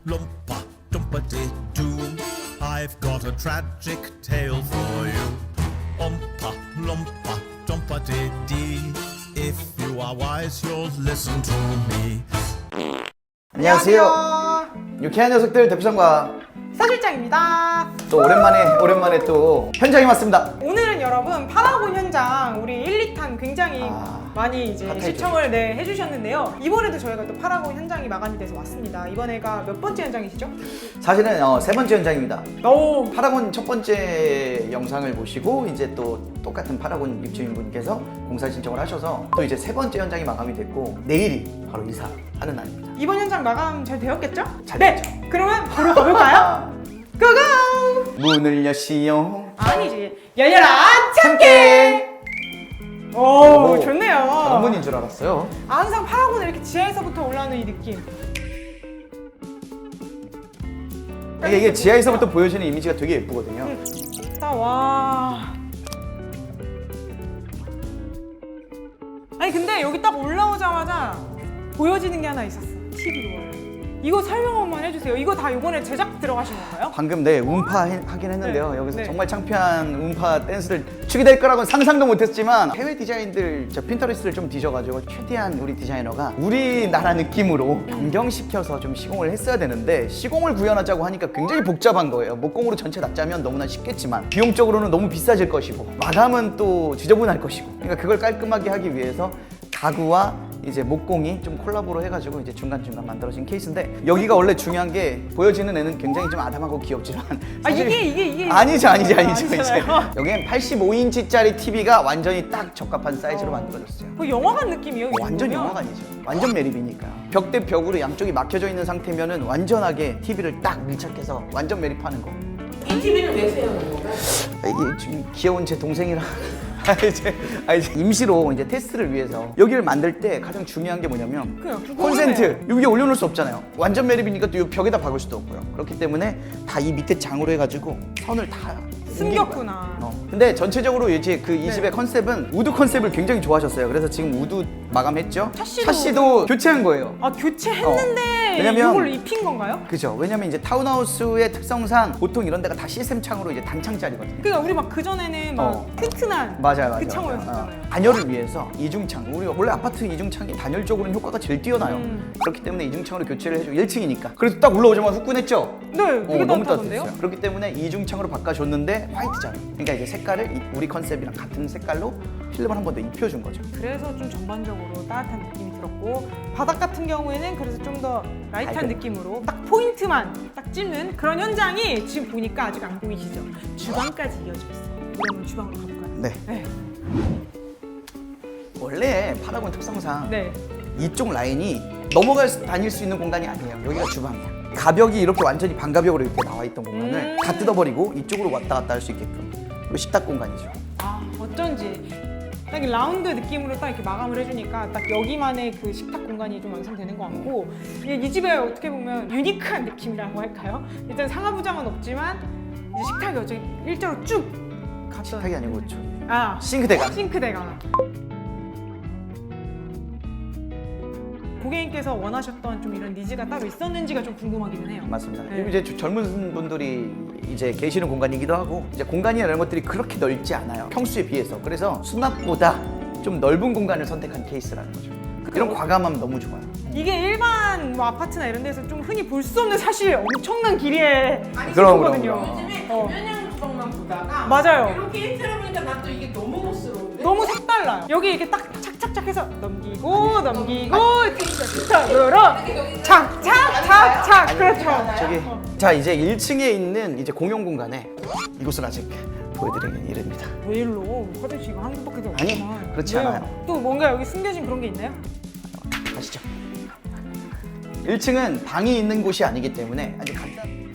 Loompa Doompa Doo. I've got a tragic tale for you. Oompa Loompa Doompa Dee. If you are wise, you'll listen to me. 안녕하세요. 유쾌한 녀석들 대표상과 사실장입니다. 또 오랜만에 또 현장에 왔습니다. 오늘은 여러분 파라곤 현장 우리 1, 2탄 굉장히 많이 이제 핫했죠. 시청을 해주셨는데요. 이번에도 저희가 또 파라곤 현장이 마감이 돼서 왔습니다. 이번에가 몇 번째 현장이시죠? 사실은 세 번째 현장입니다. 오. 파라곤 첫 번째 영상을 보시고 이제 또 똑같은 파라곤 입주인분께서 공사 신청을 하셔서 또 이제 세 번째 현장이 마감이 됐고 내일이 바로 이사하는 날입니다. 이번 현장 마감 잘 되었겠죠? 잘 네. 됐죠. 그러면 보러 가볼까요? 고고! 문을 여시오. 아니지. 열려라 참깨. 오, 좋네요. 다른 분인 줄 알았어요. 항상 파라곤을 이렇게 지하에서부터 올라오는 이 느낌. 이게 지하에서부터 보여지는 이미지가 되게 예쁘거든요. 와. 아니 근데 여기 딱 올라오자마자 보여지는 게 하나 있었어. TV로 원래. 이거 설명 한번 해주세요. 이거 다 이번에 제작 들어가신 건가요? 방금 음파 하긴 했는데요. 네. 여기서 네. 정말 창피한 음파 댄스를 추게 될 거라고는 상상도 못했지만 해외 디자인들 저 핀터레스트를 좀 뒤져가지고 최대한 우리 디자이너가 우리나라 느낌으로 변경시켜서 좀 시공을 했어야 되는데 시공을 구현하자고 하니까 굉장히 복잡한 거예요. 목공으로 전체 다 짜면 너무나 쉽겠지만 비용적으로는 너무 비싸질 것이고 마감은 또 지저분할 것이고 그러니까 그걸 깔끔하게 하기 위해서 가구와 이제 목공이 좀 콜라보로 해가지고 이제 중간중간 만들어진 케이스인데 여기가 원래 중요한 게 보여지는 애는 굉장히 좀 아담하고 귀엽지만 사실 이게 아니죠 이제 아니잖아요. 여기엔 85인치짜리 TV가 완전히 딱 적합한 사이즈로 만들어졌어요. 그 영화관 느낌이에요. 이 완전 정도면? 영화관이죠. 완전 매립이니까 벽 대 벽으로 양쪽이 막혀져 있는 상태면은 완전하게 TV를 딱 밀착해서 완전 매립하는 거. 이 TV는 왜 세우는 건가요? 이게 지금 귀여운 제 동생이랑 이제 임시로 이제 테스트를 위해서 여기를 만들 때 가장 중요한 게 뭐냐면 그냥 그거는 콘센트 여기에 올려놓을 수 없잖아요. 완전 매립이니까 또 이 벽에다 박을 수도 없고요. 그렇기 때문에 다 이 밑에 장으로 해가지고 선을 다 숨겼구나. 근데 전체적으로 이제 그 이 집의 컨셉은 우드 컨셉을 굉장히 좋아하셨어요. 그래서 지금 우드 마감했죠. 샤시도 교체한 거예요. 아 교체했는데 왜냐면- 이걸 입힌 건가요? 그죠? 왜냐면 이제 타운하우스의 특성상 보통 이런 데가 다 시스템 창으로 이제 단창짜리거든요. 그러니까 우리 막 그전에는 막 튼튼한 맞아요. 그 창호였잖아요. 단열을 위해서 이중창. 우리 원래 아파트 이중창이 단열적으로는 효과가 제일 뛰어나요. 그렇기 때문에 이중창으로 교체를 해주고 1층이니까. 그래서 딱 올라오자마자 후끈했죠. 네, 되게 너무 따뜻한데요? 따뜻했어요. 그렇기 때문에 이중창으로 바꿔줬는데 화이트잖아요. 그러니까 이제 색깔을 우리 컨셉이랑 같은 색깔로 필름을 한 번 더 입혀준 거죠. 그래서 좀 전반적으로 따뜻한 느낌이 들었고 바닥 같은 경우에는 그래서 좀 더 라이트한 밝은. 느낌으로 딱 포인트만 딱 찝는 그런 현장이 지금 보니까 아직 안 보이시죠? 주방까지 이어져 있어요. 그러면 주방으로 가볼까요? 네. 네. 원래 파라곤 특성상 네. 이쪽 라인이 다닐 수 있는 공간이 아니에요. 여기가 주방이야. 가벽이 이렇게 완전히 반가벽으로 이렇게 나와 있던 공간을 다 뜯어버리고 이쪽으로 왔다 갔다 할 수 있게끔. 그리고 식탁 공간이죠. 아 어쩐지 딱 이 라운드 느낌으로 딱 이렇게 마감을 해주니까 딱 여기만의 그 식탁 공간이 좀 완성되는 것 같고 이 집에 어떻게 보면 유니크한 느낌이라고 할까요? 일단 상하부장은 없지만 이제 식탁이 어째 일자로 쭉 갔던 식탁이 아니고 아 싱크대가. 싱크대가 고객님께서 원하셨던 좀 이런 니즈가 따로 있었는지가 좀 궁금하기는 해요. 맞습니다. 네. 이제 젊은 분들이 이제 계시는 공간이기도 하고 이제 공간이나 이런 것들이 그렇게 넓지 않아요. 평수에 비해서. 그래서 수납보다 좀 넓은 공간을 선택한 케이스라는 거죠. 이런 과감함 너무 좋아요. 이게 일반 뭐 아파트나 이런 데서 좀 흔히 볼 수 없는 사실 엄청난 길이의 그럼, 싱크거든요. 요즘에 어. 김연양 주방만 보다가 맞아요. 이렇게 일체로 보니까 난 또 이게 너무 멋스러운데? 너무 색달라요. 여기 이렇게 딱 착착착 해서 넘기고 착착으로 착착착착 그렇죠. 저기 자 이제 1층에 있는 이제 공용 공간에 이곳을 아직 보여드리긴 이릅니다. 왜 일로 화장실 이거 한 개밖에 없구나. 아니, 그렇지 왜요? 않아요. 또 뭔가 여기 숨겨진 그런 게 있나요? 가시죠. 1층은 방이 있는 곳이 아니기 때문에 아주 간단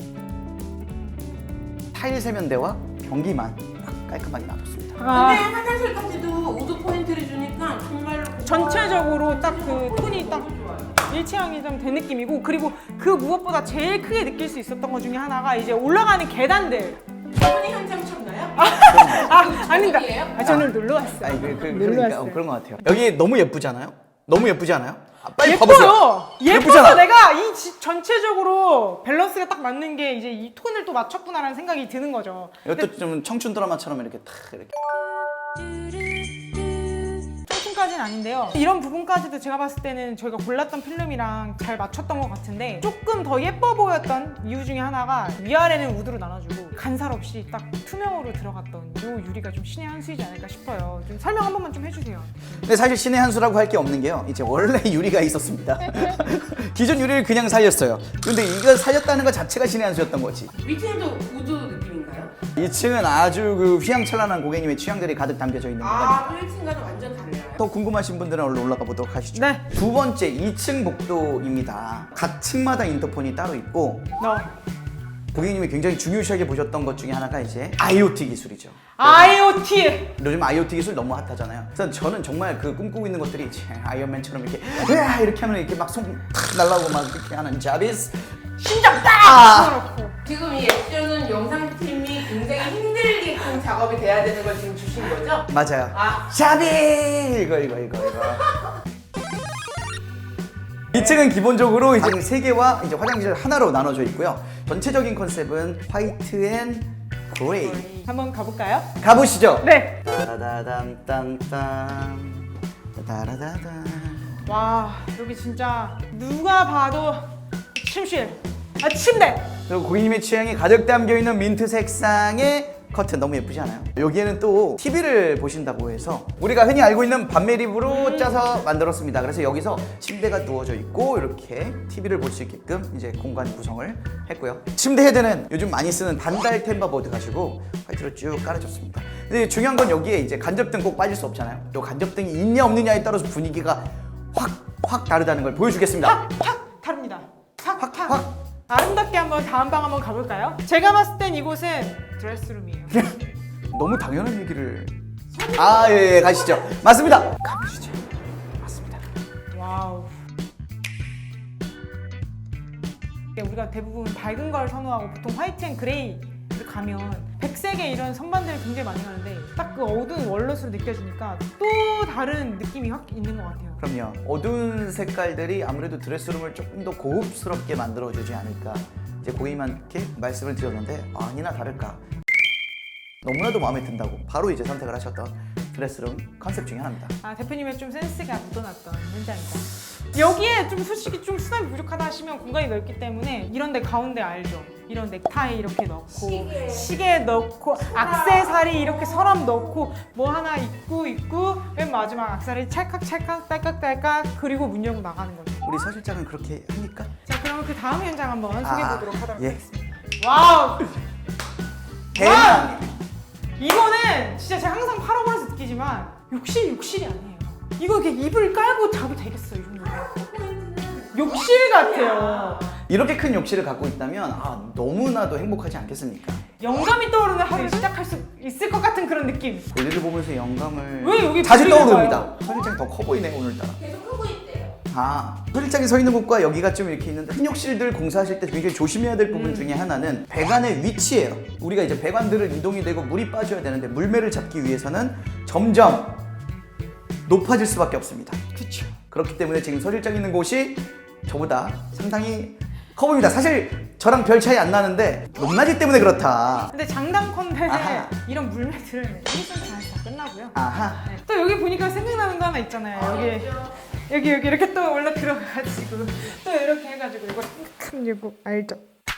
타일 세면대와 변기만 딱 깔끔하게 놔뒀습니다. 근데 아, 화장실까지도 우드 포인트를 주니까 정말로 전체적으로 딱 그 톤이 딱 좋아요. 일체형이 좀 된 느낌이고 그리고 그 무엇보다 제일 크게 느낄 수 있었던 것 중에 하나가 이제 올라가는 계단들. 어머니 현장 쳤나요? 아닙니다. 저녁이에요? 저는 놀러 왔어요. 아니, 놀러 그러니까 왔어요. 그런 것 같아요. 여기 너무 예쁘잖아요. 너무 예쁘지 않아요? 빨리 예뻐요. 봐보세요. 예뻐서 예쁘잖아. 내가 이 전체적으로 밸런스가 딱 맞는 게 이제 이 톤을 또 맞췄구나라는 생각이 드는 거죠. 이것도 좀 청춘 드라마처럼 이렇게 탁 이렇게. 청춘까지는 아닌데요. 이런 부분까지도 제가 봤을 때는 저희가 골랐던 필름이랑 잘 맞췄던 것 같은데 조금 더 예뻐 보였던 이유 중에 하나가 위아래는 우드로 나눠주고 간살 없이 딱 투명으로 들어갔던 이 유리가 좀 신의 한 수이지 않을까 싶어요. 좀 설명 한 번만 좀 해주세요. 근데 사실 신의 한 수라고 할 게 없는 게요. 이제 원래 유리가 있었습니다. 기존 유리를 그냥 살렸어요. 근데 이걸 살렸다는 것 자체가 신의 한 수였던 거지. 위층도 우드 느낌인가요? 2층은 아주 그 휘황찬란한 고객님의 취향들이 가득 담겨져 있는 공간입니다. 아, 1층과는 완전 달라요. 더 궁금하신 분들은 얼른 올라가 보도록 하시죠. 네. 두 번째 2층 복도입니다. 각 층마다 인터폰이 따로 있고 고객님이 굉장히 중요시하게 보셨던 것 중에 하나가 이제 IoT 기술이죠. IoT! 요즘 IoT 기술 너무 핫하잖아요. 그래서 저는 정말 그 꿈꾸고 있는 것들이 이제 아이언맨처럼 이렇게 으아 이렇게 하면 이렇게 막 손 탁 날라오고 막 이렇게 하는 자비스 심장 딱! 그렇고. 지금 이 액션은 영상팀이 굉장히 힘들게끔 작업이 돼야 되는 걸 지금 주신 거죠? 맞아요. 아. 자비 이거 2층은 기본적으로 이제 3개와 이제 화장실 하나로 나눠져 있고요. 전체적인 컨셉은 화이트 앤 그레이. 한번 가볼까요? 가보시죠. 네. 따라다담 따라다담. 와, 여기 진짜 누가 봐도 침실, 침대. 그리고 고객님의 취향이 가득 담겨 있는 민트 색상의 커튼 너무 예쁘지 않아요? 여기에는 또 TV를 보신다고 해서 우리가 흔히 알고 있는 반매립으로 짜서 만들었습니다. 그래서 여기서 침대가 누워져 있고 이렇게 TV를 볼 수 있게끔 이제 공간 구성을 했고요. 침대 헤드는 요즘 많이 쓰는 반달 템버보드 가지고 화이트로 쭉 깔아줬습니다. 근데 중요한 건 여기에 이제 간접등 꼭 빠질 수 없잖아요. 또 간접등이 있냐 없느냐에 따라서 분위기가 확 다르다는 걸 보여주겠습니다. 확 다릅니다. 확. 확. 아름답게 한번 다음 방 한번 가볼까요? 제가 봤을 땐 이곳은 드레스룸이에요. 너무 당연한 얘기를. 예, 가시죠. 맞습니다. 가보시죠. 맞습니다. 와우. 우리가 대부분 밝은 걸 선호하고 보통 화이트 앤 그레이를 가면 백색의 이런 선반들이 굉장히 많이 가는데 딱 그 어두운 월넛으로 느껴지니까 또 다른 느낌이 확 있는 것 같아요. 그럼요. 어두운 색깔들이 아무래도 드레스룸을 조금 더 고급스럽게 만들어주지 않을까. 이제 고객님한테 말씀을 드렸는데 아니나 다를까. 너무나도 마음에 든다고 바로 이제 선택을 하셨던 드레스룸 컨셉 중에 하나입니다. 대표님의 좀 센스가 묻어났던 현장이다. 여기에 좀 솔직히 좀 수납이 부족하다 하시면 공간이 넓기 때문에 이런 데 가운데 알죠? 이런 넥타이 이렇게 넣고 시계 넣고 액세서리 이렇게 서랍 넣고 뭐 하나 입고 맨 마지막 액세서리 찰칵찰칵 딸깍딸깍 그리고 문 열고 나가는 거죠. 우리 서 실장은 그렇게 합니까? 자, 그럼 그 다음 현장 한번 소개해보도록 하도록 예. 하겠습니다. 와우! 대박! 이거는 진짜 제가 항상 팔아보면서 느끼지만 욕실이 아니에요. 이거 이렇게 이불 깔고 자도 되겠어, 이 정도면. 욕실 같아요. 이렇게 큰 욕실을 갖고 있다면 너무나도 행복하지 않겠습니까? 영감이 떠오르는 하루를 시작할 수 있을 것 같은 그런 느낌. 볼일을 보면서 영감을 왜 여기 자주 볼일을 떠오릅니다. 봐요? 서 실장이 더 커 보이네 오늘따라. 계속 하고 있대요. 서 실장이 서 있는 곳과 여기가 좀 이렇게 있는데 큰 욕실들 공사하실 때 굉장히 조심해야 될 부분 중에 하나는 배관의 위치예요. 우리가 이제 배관들을 이동이 되고 물이 빠져야 되는데 물매를 잡기 위해서는 점점 높아질 수밖에 없습니다. 그쵸. 그렇기 때문에 지금 서 실장 있는 곳이 저보다 상당히 커 보입니다. 사실 저랑 별 차이 안 나는데 높낮이 때문에 그렇다. 근데 장담컨대 아하. 이런 물매들은 일선 다 끝나고요. 아하. 네. 또 여기 보니까 생각나는 거 하나 있잖아요. 여기 이렇게 또 올라 들어가가지고 또 이렇게 해가지고 이거 이거 알죠?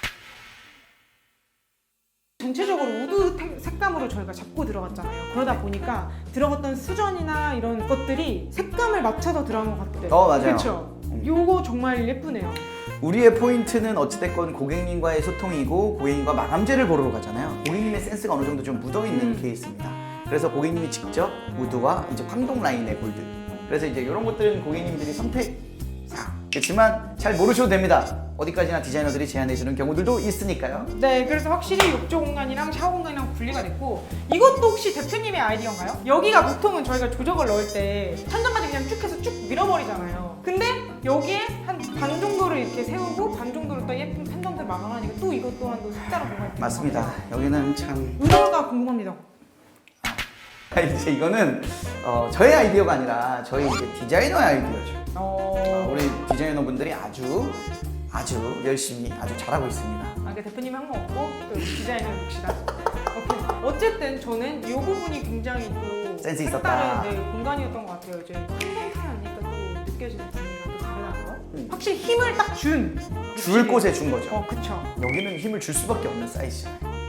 전체적으로 우드 색감으로 저희가 잡고 들어갔잖아요. 그러다 보니까 들어갔던 수전이나 이런 것들이 색감을 맞춰서 들어간 것 같아요. 맞아요. 그렇죠. 요거 정말 예쁘네요. 우리의 포인트는 어찌됐건 고객님과의 소통이고 고객님과 마감재를 보러 가잖아요. 고객님의 센스가 어느 정도 좀 묻어있는 케이스입니다. 그래서 고객님이 직접 우드와 이제 황동 라인의 골드, 그래서 이제 이런 것들은 고객님들이 선택 그렇지만 잘 모르셔도 됩니다. 어디까지나 디자이너들이 제안해주는 경우들도 있으니까요. 네, 그래서 확실히 욕조 공간이랑 샤워 공간이랑 분리가 됐고, 이것도 혹시 대표님의 아이디어인가요? 여기가 보통은 저희가 조적을 넣을 때 천장까지 그냥 쭉 해서 쭉 밀어버리잖아요. 근데 여기에 한 반 정도를 이렇게 세우고 반 정도를 또 예쁜 펜던트를 마감하니까 또 이것 또한도 색다른 공간이 되는 맞습니다. 여기는 참 의도가 궁금합니다. 이제 이거는 저의 아이디어가 아니라 저희 이제 디자이너의 아이디어죠. 디자이너분들이 아주 열심히 아주 잘하고 있습니다. 아, 그 대표님이 한 거 없고 또 디자인을 봅시다. 오케이. 어쨌든 저는 이 부분이 굉장히 또 센스 있었다. 색다른 공간이었던 것 같아요. 이제 한성탄 하니까 또 느껴지는 분위기가 또 다르다는 거. 확실히 힘을 딱 줄 곳에 준 거죠. 그쵸. 여기는 힘을 줄 수밖에 없는 사이즈.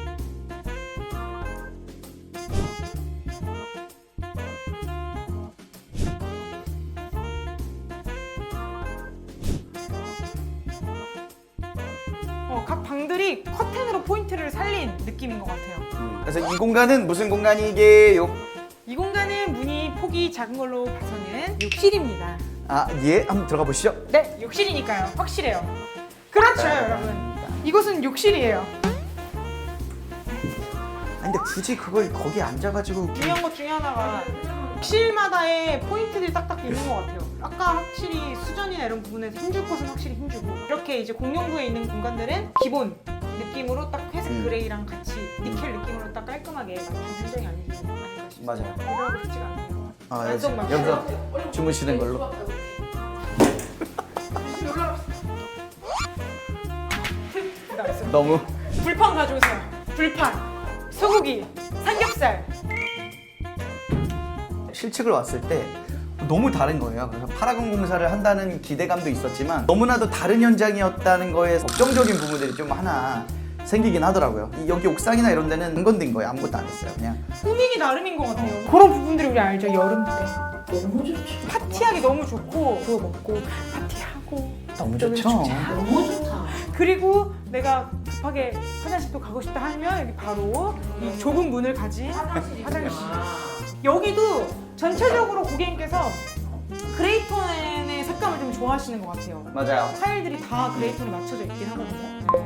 각 방들이 커튼으로 포인트를 살린 느낌인 것 같아요. 그래서 이 공간은 무슨 공간이게요? 이 공간은 문이 폭이 작은 걸로 봐서는 욕실입니다. 아, 예, 한번 들어가 보시죠. 네, 욕실이니까요. 확실해요. 그렇죠, 여러분. 이곳은 욕실이에요. 아니, 근데 굳이 그걸 거기 앉아가지고 중요한 것 중에 하나가 욕실마다의 포인트들이 딱딱 있는 것 같아요. 아까 확실히 수전이나 이런 부분에서 힘줄 곳은 확실히 힘주고 이렇게 이제 공용부에 있는 공간들은 기본 느낌으로 딱 회색 그레이랑 같이 니켈 느낌으로 딱 깔끔하게 맞춘 현장이 아닌가 싶습니다. 맞아요. 이러고 싶지가 않네요. 아, 완전 막 여기서 주무시는 걸로. 너무 불판 가져오세요. 불판, 소고기, 삼겹살. 실측을 왔을 때 너무 다른 거예요. 그래서 파라곤 공사를 한다는 기대감도 있었지만 너무나도 다른 현장이었다는 거에 걱정적인 부분들이 좀 하나 생기긴 하더라고요. 여기 옥상이나 이런 데는 안 건든 거예요. 아무것도 안 했어요. 그냥 꾸미기 나름인 것 같아요. 그런 부분들이 우리 알죠, 여름 때. 너무 좋지. 파티하기 너무 좋고 그거 먹고 파티하고 너무 저기 좋죠. 축제하고. 너무 좋다. 그리고 내가 급하게 화장실도 가고 싶다 하면 여기 바로 이 좁은 문을 가진 화장실. 여기도 전체적으로 고객님께서 그레이톤의 색감을 좀 좋아하시는 것 같아요. 맞아요. 타일들이 다 그레이톤에 맞춰져 있긴 하거든요.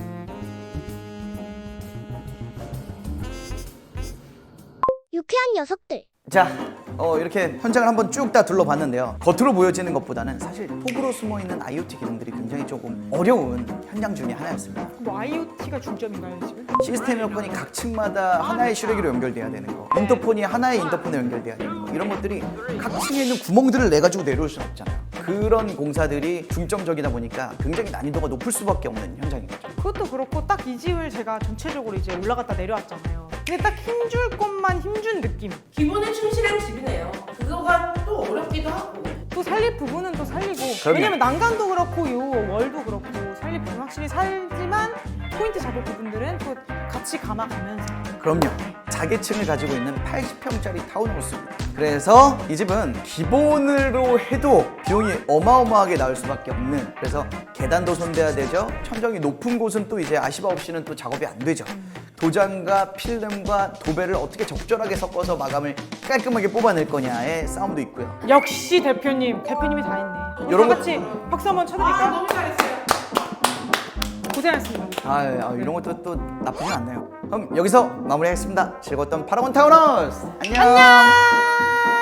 유쾌한 녀석들. 자, 이렇게 현장을 한번 쭉 다 둘러봤는데요. 겉으로 보여지는 것보다는 사실 폭으로 숨어있는 IoT 기능들이 굉장히 조금 어려운 현장 중에 하나였습니다. 뭐 IoT가 중점인가요 지금? 시스템 여건이 각 층마다 하나의 슈레기로 연결돼야 되는 거, 인터폰이 하나의 인터폰에 연결돼야 되는 거, 이런 것들이 각 층에 있는 구멍들을 내가지고 내려올 수는 없잖아요. 그런 공사들이 중점적이다 보니까 굉장히 난이도가 높을 수밖에 없는 현장인 거죠. 그것도 그렇고 딱 이 집을 제가 전체적으로 이제 올라갔다 내려왔잖아요. 근데 딱 힘줄 것만 힘준 느낌. 기본에 충실한 집이네요. 그거가 또 어렵기도 하고. 또 살릴 부분은 또 살리고. 그럼요. 왜냐면 난간도 그렇고 요 월도 그렇고 살릴 부분 확실히 살지만 포인트 잡을 부분들은 또 같이 감아가면서. 그럼요. 자개층을 가지고 있는 80평짜리 타운하우스입니다. 그래서 이 집은 기본으로 해도 비용이 어마어마하게 나올 수밖에 없는, 그래서 계단도 손대야 되죠. 천정이 높은 곳은 또 이제 아시바 없이는 또 작업이 안 되죠. 도장과 필름과 도배를 어떻게 적절하게 섞어서 마감을 깔끔하게 뽑아낼 거냐의 싸움도 있고요. 역시 대표님이 다 했네. 요런 거- 같이 박수 한번 쳐드릴까요? 너무 잘했어요. 고생하셨습니다. 이런 것도 또 나쁘진 않네요. 그럼 여기서 마무리하겠습니다. 즐거웠던 파라곤 타운하우스. 안녕.